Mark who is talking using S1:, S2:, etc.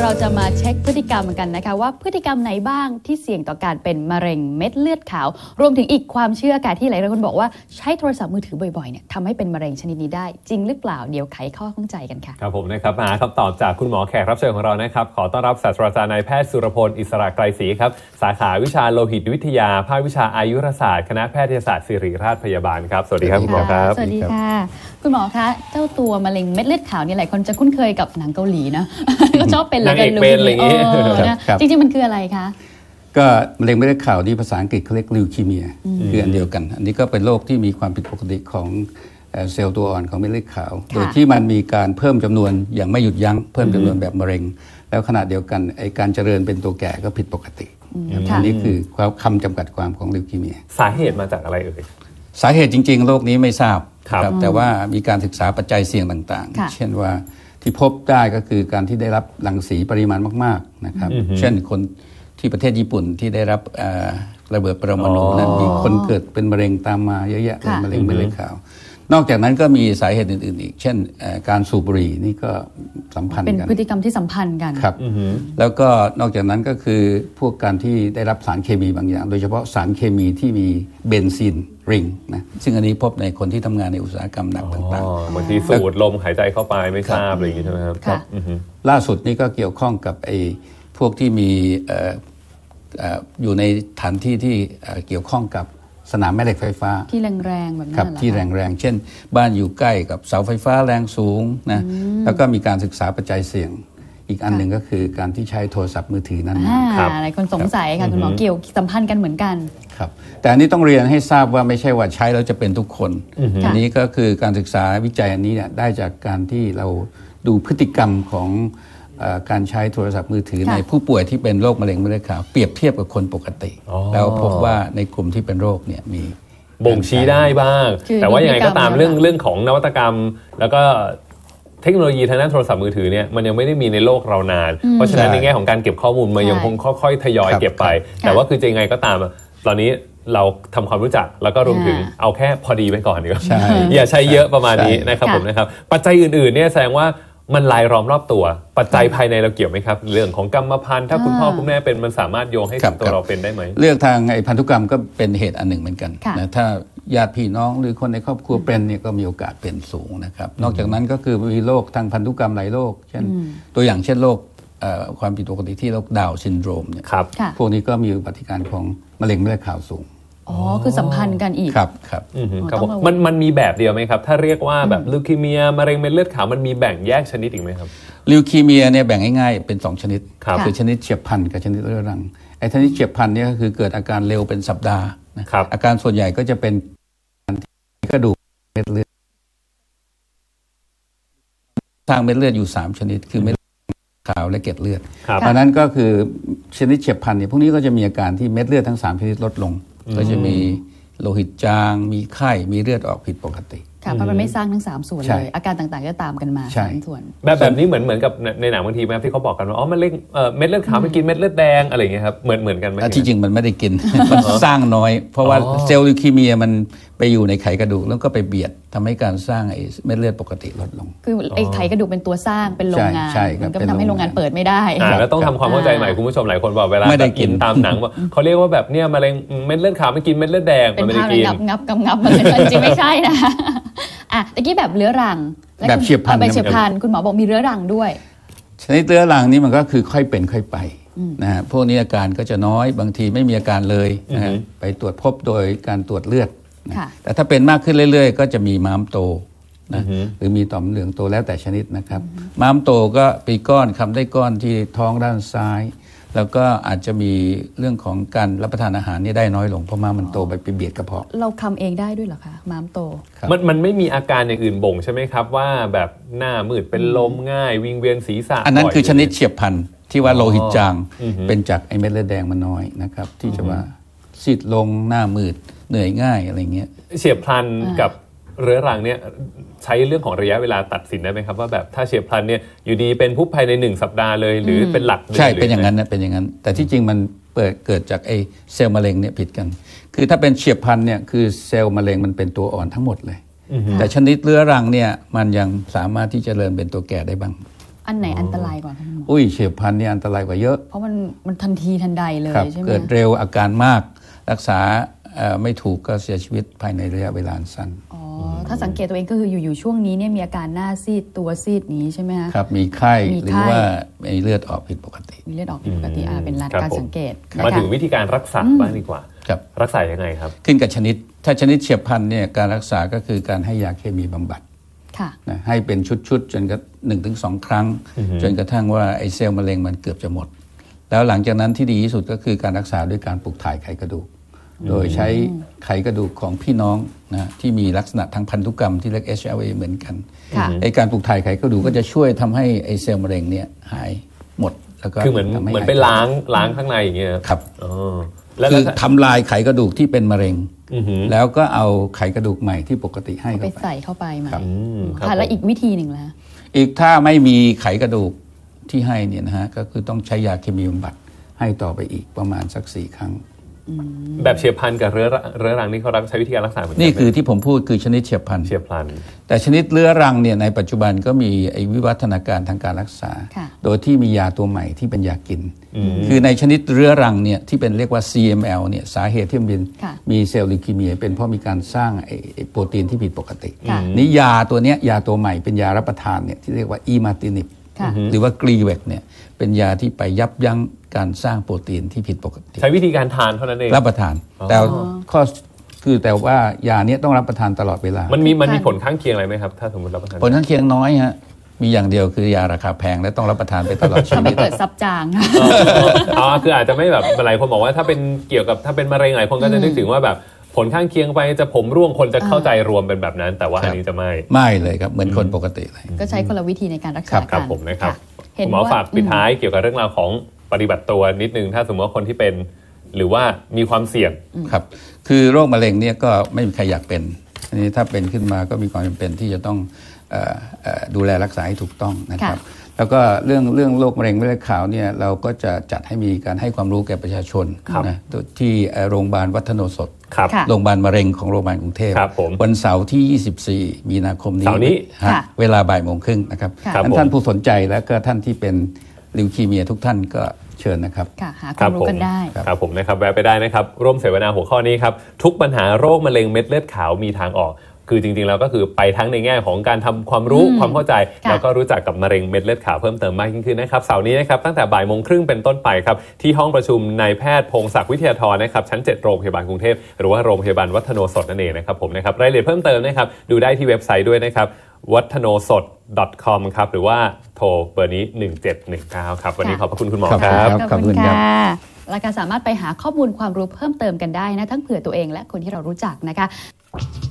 S1: เราจะมาเช็คพฤติกรรมกันนะคะว่าพฤติกรรมไหนบ้างที่เสี่ยงต่อการเป็นมะเร็งเม็ดเลือดขาวรวมถึงอีกความเชื่อการที่หลายคนบอกว่าใช้โทรศัพท์มือถือบ่อยๆเนี่ยทำให้เป็นมะเร็งชนิดนี้ได้จริงหรือเปล่าเดี๋ยวไขข้อข้องใจกันค่ะ
S2: ครับผมนะครับมาคำตอบจากคุณหมอแขกรับเชิญของเรานะครับขอต้อนรับศาสตราจารย์นายแพทย์สุรพลอิสระไกรศรีครับสาขาวิชาโลหิตวิทยาภาควิชาอายุรศาสตร์คณะแพทยศาสตร์ศิริราชพยาบาลครับสวัสดีครับคุณหมอครับ
S1: สวัสดีค่ะคุณหมอคะเจ้าตัวมะเร็งเม็ดเลือดขาวนี่หลายคนจะคุ้นเคยกับหนังเกาหลีนะก็ชอบเป็นเลยกัน
S2: เป็นอะไรอย่างงี้
S1: จริงๆมันคืออะไรคะ
S3: ก็มะเร็งเม็ดเลือดขาวที่ภาษาอังกฤษเขาเรียกลิวคีเมียคืออันเดียวกันอันนี้ก็เป็นโรคที่มีความผิดปกติของเซลล์ตัวอ่อนของเม็ดเลือดขาวโดยที่มันมีการเพิ่มจำนวนอย่างไม่หยุดยั้งเพิ่มจำนวนแบบมะเร็งแล้วขณะเดียวกันไอการเจริญเป็นตัวแก่ก็ผิดปกติอันนี้คือคำจำกัดความของลิวคีเมีย
S2: สาเหตุมาจากอะไรเอ่ย
S3: สาเหตุจริงๆโรคนี้ไม่ทราบครับแต่ว่ามีการศึกษาปัจจัยเสี่ยงต่างๆเช่นว่าที่พบได้ก็คือการที่ได้รับรังสีปริมาณมากๆนะครับเช่นคนที่ประเทศญี่ปุ่นที่ได้รับระเบิดปรมาณูนั้นมีคนเกิดเป็นมะเร็งตามมาเยอะแยะเป็นมะเร็งเม็ดเลือดขาวนอกจากนั้นก็มีสาเหตุอื่นๆอีกเช่นการสูบบุหรี่นี่ก็สัมพันธ์กัน
S1: เป็นพฤติกรรมที่สัมพันธ์กัน
S3: ครับแล้วก็นอกจากนั้นก็คือพวกการที่ได้รับสารเคมีบางอย่างโดยเฉพาะสารเคมีที่มีเบนซินริงนะซึ่งอันนี้พบในคนที่ทำงานในอุตสาหกรรมหนักต่าง
S2: ๆบางทีสูดลมหายใจเข้าไปไม่ทราบอะไรอย่างนี้ใช่ไหมครับ
S3: ล่าสุดนี่ก็เกี่ยวข้องกับไอ้พวกที่มีอยู่ในฐานที่ที่เกี่ยวข้องกับสนามแม่เหล็กไฟฟ้า
S1: ที่แรงๆแบบนั้น
S3: ครับที่แรงๆเช่นบ้านอยู่ใกล้กับเสาไฟฟ้าแรงสูงนะแล้วก็มีการศึกษาปัจจัยเสี่ยงอีกอันหนึ่งก็คือการที่ใช้โทรศัพท์มือถือนั้น
S1: หลายคนสงสัยค่ะคุณหมอเกี่ยวสัมพันธ์กันเหมือนกัน
S3: ครับแต่อันนี้ต้องเรียนให้ทราบว่าไม่ใช่ว่าใช้แล้วจะเป็นทุกคนอันนี้ก็คือการศึกษาวิจัยอันนี้เนี่ยได้จากการที่เราดูพฤติกรรมของการใช้โทรศัพท์มือถือในผู้ป่วยที่เป็นโรคมะเร็งเม็ดเลือดขาวเปรียบเทียบกับคนปกติแล้วพบว่าในกลุ่มที่เป็นโรคเนี่ยมี
S2: บ่งชี้ได้บ้างแต่ว่ายังไงก็ตามเรื่องของนวัตกรรมแล้วก็เทคโนโลยีทางด้านโทรศัพท์มือถือเนี่ยมันยังไม่ได้มีในโลกเรานานเพราะฉะนั้นในแง่ของการเก็บข้อมูลมันยังคงค่อยๆทยอยเก็บไปแต่ว่าคือจะยังไงก็ตามตอนนี้เราทำความรู้จักแล้วก็รวมถึงเอาแค่พอดีไปก่อนดีกว่าอย่าใช้เยอะประมาณนี้นะครับผมนะครับปัจจัยอื่นๆเนี่ยแสดงว่ามันลายล้อมรอบตัวปัจจัยภายในเราเกี่ยวไหมครับเรื่องของกรรมพันธุ์ถ้าคุณพ่อคุณแม่เป็นมันสามารถโยงให้ถึงตัวเราเป็นได้ไหม
S3: เรื่องทางไอ้พันธุกรรมก็เป็นเหตุอันหนึ่งเหมือนกันนะถ้าญาติพี่น้องหรือคนในครอบครัวเป็นเนี่ยก็มีโอกาสเป็นสูงนะครับนอกจากนั้นก็คือมีโรคทางพันธุกรรมหลายโรคเช่นตัวอย่างเช่นโรคความผิดปกติที่โรคดาวน์ซินโดรมเนี่ยพวกนี้ก็มีอุบัติการของมะเร็งเม็ดเลือดขาวสูง
S1: อ๋อคือสัมพันธ์กันอีก
S3: ครับครับ
S2: มันมีแบบเดียวไหมครับถ้าเรียกว่าแบบลิวคีเมียมะเร็งเม็ดเลือดขาวมันมีแบ่งแยกชนิดอีกไหมครับ
S3: ลิวคีเมียเนี่ยแบ่งง่ายๆเป็น2ชนิดคือชนิดเฉียบพลันกับชนิดเรื้อรังไอ้ชนิดเฉียบพลันเนี่ยก็คือเกิดอาการเร็วเป็นสัปดาห์นะครับอาการส่วนใหญ่ก็จะเป็นกระดูกเม็ดเลือดสร้างเม็ดเลือดอยู่3ชนิดคือเม็ดขาวและเกล็ดเลือดเพราะนั้นก็คือชนิดเฉียบพลันเนี่ยพวกนี้ก็จะมีอาการที่เม็ดเลือดทั้ง3ชนิดลดลงก็จะมีโลหิตจางมีไข้มีเลือดออกผิดปกติ
S1: ค่ะเพราะมันไม่สร้างทั้ง3ส่วนเลยอาการต่างๆก็ตามกันมา3ส่วน
S2: แบบนี้เหมือนกับในหนังบางทีไหมที่เขาบอกกันว่าอ๋อมันเม็ดเลือดขาวมันกินเม็ดเลือดแดงอะไรอย่างเงี้ยครับเหมือนกันไหม
S3: ที่จริงมันไม่ได้กินมันสร้างน้อยเพราะว่าเซลล์ลิวคีเมียมันไปอยู่ในไขกระดูกแล้วก็ไปเบียดทำให้การสร้างไอ้เม็ดเลือดปกติลดลง
S1: คือไอ้ไขกระดูกเป็นตัวสร้างเป็นโรงงานมันก็ทำให้โรงงานเปิดไม่ได้
S2: แล้วต้องทำความเข้าใจใหม่คุณผู้ชมหลายคนบอกเวลากินตามหนังว่าเขาเรียกว่าแบบเนี่ยมะเร็งเม็ดเลือดขาวมันกินเม็ดเลือดแดงมันไม่ได้กิน
S1: งับมันจริงไม่ใช่นะตะกี้แบบเรื้อรัง
S3: แบบเฉียบพลัน
S1: แบบเฉียบพลันคุณหมอบอกมีเรื้อรังด้วย
S3: ชนิดเรื้อรังนี้มันก็คือค่อยเป็นค่อยไปนะฮะพวกนี้อาการก็จะน้อยบางทีไม่มีอาการเลยนะฮะไปตรวจพบโดยการตรวจเลือดแต่ถ้าเป็นมากขึ้นเรื่อยๆก็จะมีม้ามโตนะหรือมีต่อมเหลืองโตแล้วแต่ชนิดนะครับม้ามโตก็ปีก้อนคำได้ก้อนที่ท้องด้านซ้ายแล้วก็อาจจะมีเรื่องของการรับประทานอาหารนี่ได้น้อยลงเพราะม้ามมันโตไปเบียดกระเพาะ
S1: เราคำเองได้ด้วยเหรอคะม้ามโต
S2: มันไม่มีอาการอย่างอื่นบ่งใช่ไหมครับว่าแบบหน้ามืดเป็นลมง่ายวิงเวียนศีรษะ
S3: อันนั้นคือชนิดเฉียบพลันที่ว่าโลหิตจางเป็นจากไอเม็ดเลือดแดงมันน้อยนะครับที่จะว่าซีดลงหน้ามืดเหนื่อยง่ายอะไรเงี้ย
S2: เฉียบพลันกับเรื้อรังเนี่ยใช้เรื่องของระยะเวลาตัดสินได้ไหมครับว่าแบบถ้าเฉียบพลันเนี่ยอยู่ดีเป็นผู้ภายใน1สัปดาห์เลยหรือเป็นหลัก
S3: ใช่เป็นอย่างนั้นนะเป็นอย่างนั้นแต่ที่จริงมันเกิดจากไอเซลล์มะเร็งเนี่ยผิดกันคือถ้าเป็นเฉียบพลันเนี่ยคือเซลล์มะเร็งมันเป็นตัวอ่อนทั้งหมดเลยแต่ชนิดเรื้อรังเนี่ยมันยังสามารถที่จะเจริญเป็นตัวแก่ได้บ้าง
S1: อันไหนอันตรายกว่าคะคุณหมอ
S3: อุ้ยเฉียบพลันนี่อันตรายกว่าเยอะ
S1: เพราะมันทันทีทันใดเลย
S3: ครับ
S1: ใช่ไหม
S3: เกิดเร็วอาการมากรักษาไม่ถูกก็เสียชีวิตภายในระยะเวลาสั้น
S1: อ๋อถ้าสังเกตตัวเองก็คืออยู่ๆช่วงนี้เนี่ยมีอาการหน้าซีดตัวซีดนี้ใช่ไหมคะ
S3: ครับมีไข้
S1: มี
S3: หรื
S1: ไข้
S3: อว่ามีเลือดออกผิดปกติ
S1: มีเลือดออกผิดปกติเป็น
S2: ครับ
S1: การ
S2: ผม
S1: สังเกต
S2: มา
S1: นะคะ
S2: ถึงวิธีการรักษาบ้างดีกว่า
S3: ครับ
S2: รักษายังไงครับ
S3: ขึ้นกับชนิดถ้าชนิดเฉียบพลันเนี่ยการรักษาก็คือการให้ยาเคมีบำบัด
S1: ค่ะ
S3: นะให้เป็นชุดๆจนกระ1-2 ครั้ง จนกระทั่งว่าไอ้เซลล์มะเร็งมันเกือบจะหมด แล้วหลังจากนั้นที่ดีที่สุดก็คือการรักษาด้วยการปลูกถ่ายไขกระดูก โดยใช้ไขกระดูกของพี่น้องนะที่มีลักษณะทางพันธุกรรมที่เรียก HLA เหมือนกัน
S1: ค่ะ
S3: ไอ้การปลูกถ่ายไขกระดูกก็จะช่วยทำให้ไอ้เซลล์มะเร็งเนี่ยหายหมดแล้วก็
S2: คือเหมือน
S3: ทำให้
S2: เหมือน
S3: หาย
S2: ไปล้างข้างในอย่างเงี้ย
S3: ครับ
S2: อ๋อแล้ว
S3: คือทำลายไขกระดูกที่เป็นมะเร็ง
S2: อือหือ
S3: แล้วก็เอาไขกระดูกใหม่ที่ปกติให้
S1: ไป
S3: เข้าไป
S1: ใส่เข้าไปไหม
S3: ครับ
S2: ครับ
S1: ค่ะแล้ว
S2: ผม
S1: อีกวิธีหนึ่งล่ะ
S3: อีกถ้าไม่มีไขกระดูกที่ให้เนี่ยนะฮะก็คือต้องใช้ยาเคมีบำบัดให้ต่อไปอีกประมาณสัก 4 ครั้ง
S2: แบบเฉียบพลันกับเรื้อรังนี่เขาใช้วิธีการรักษาเหมือนกั
S3: นี่
S2: ไหม
S3: คือที่ผมพูดคือชนิดเฉียบพลัน
S2: เฉียบพลัน
S3: แต่ชนิดเรื้อรังเนี่ยในปัจจุบันก็มีไอ้วิวัฒนาการทางการรักษา
S1: ค่ะ
S3: โดยที่มียาตัวใหม่ที่เป็นยากิน คือในชนิดเรื้อรังเนี่ยที่เป็นเรียกว่า CML เนี่ยสาเหตุที่มัน
S1: ค่ะ
S3: มีเซลล์ลิวคีเมียเป็นเพราะมีการสร้างไอ้โปรตีนที่ผิดปกติ
S1: ค่ะ
S3: นี่ยาตัวเนี้ยยาตัวใหม่เป็นยารับประทานเนี่ยที่เรียกว่าอีมาตินิบ
S1: ค่ะ
S3: หรือว่ากรีเวกเนี่ยเป็นยาที่ไปยับยั้งการสร้างโปรตีนที่ผิดปกติ
S2: ใช้วิธีการทานเท่านั้นเอง
S3: รับประทาน แต่ข้อคือแต่ว่ายาเนี้ยต้องรับประทานตลอดเวลา
S2: มันมีผลข้างเคียงอะไรไหมครับ ถ้าสมมติรับประทาน
S3: ผลข้างเคียงน้อยฮะมีอย่างเดียวคือยาราคาแพงและต้องรับประทานไปตลอดชี
S1: ทำ
S3: วิ
S1: ให้
S3: ต
S1: เกิดซับจาง
S2: คืออาจจะไม่แบบหลายคนบอกว่าถ้าเป็นเกี่ยวกับถ้าเป็นมะเร็งหลายคนก็จะนึกถึงว่าแบบผลข้างเคียงไปจะผมร่วงคนจะเข้าใจรวมเป็นแบบนั้น แต่ว่าอันนี้จะไม่
S3: ไม่เลยครับเหมือนคนปกติเลย
S1: ก็ใช้คนละวิธีในการรักษา
S3: ครับ
S2: ครับ
S1: กัน
S2: ผมนะครับ
S1: เห็น
S2: หมอ
S1: ว่า
S2: ฝากปิดท้ายเกี่ยวกับเรื่องราวของปฏิบัติตัวนิดนึงถ้าสมมติว่าคนที่เป็นหรือว่ามีความเสี่ยง
S3: ครับคือโรคมะเร็งเนี่ยก็ไม่มีใครอยากเป็นอันนี้ถ้าเป็นขึ้นมาก็มีความจำเป็นที่จะต้องดูแลรักษาให้ถูกต้องนะครับ แล้วก็เรื่องโรคมะเร็งเม็ดเลือดขาวเนี่ยเราก็จะจัดให้มีการให้ความรู้แก่ประชาชน
S2: ครับ
S3: นะที่โรงพยาบาลวัฒโนสด
S2: ครับ
S1: ค่ะ
S3: โรงพยาบาลมะเร็งของโรงพยาบาลกรุงเทพ
S2: ครับผม
S3: วันเสาร์ที่ 24 มีนาคมนี้
S2: เสาร์นี้
S3: ฮะ
S1: ค่ะ
S3: เวลาบ่ายโมงครึ่งนะครับ
S1: ค่ะ
S2: ครับผม
S3: ท่านผู้สนใจและก็ท่านที่เป็นลิวคีเมียทุกท่านก็เชิญนะครับ
S1: ค่ะหาความรู้กันได้
S2: ครับผมนะครับแวะไปได้นะครับร่วมเสวนาหัวข้อนี้ครับทุกปัญหาโรคมะเร็งเม็ดเลือดขาวมีทางออก คือจริงๆแล้วก็คือไปทั้งในแง่ของการทำความรู้ความเข้าใจ
S1: ค่ะ
S2: แล้วก็รู้จักกับมะเร็งเม็ดเลือดขาวเพิ่มเติมมากยิ่งขึ้นนะครับเสาร์นี้นะครับตั้งแต่บ่ายโมงครึ่งเป็นต้นไปครับที่ห้องประชุมนายแพทย์พงศักดิ์วิทยาธรนะครับชั้น 7 โรงพยาบาลกรุงเทพหรือว่าโรงพยาบาลวัฒโนสดนั่นเองนะครับผมนะครับรายละเอียดเพิ่มเติมนะครับดูได้ที่เว็บไซต์ด้วยนะครับวัฒโนสด .com ครับหรือว่าโทรเบอร์นี้ 1719 ครับวันนี้ขอบพระคุณคุณหมอ
S3: ครับ
S2: ครับ
S3: ขอบคุณครับ
S1: และการสามารถไปหาข้อมูลความรู้เพิ่มเติมกันได้นะทั้งเผื่อตัวเองและคนที่เรารู้จักนะคะ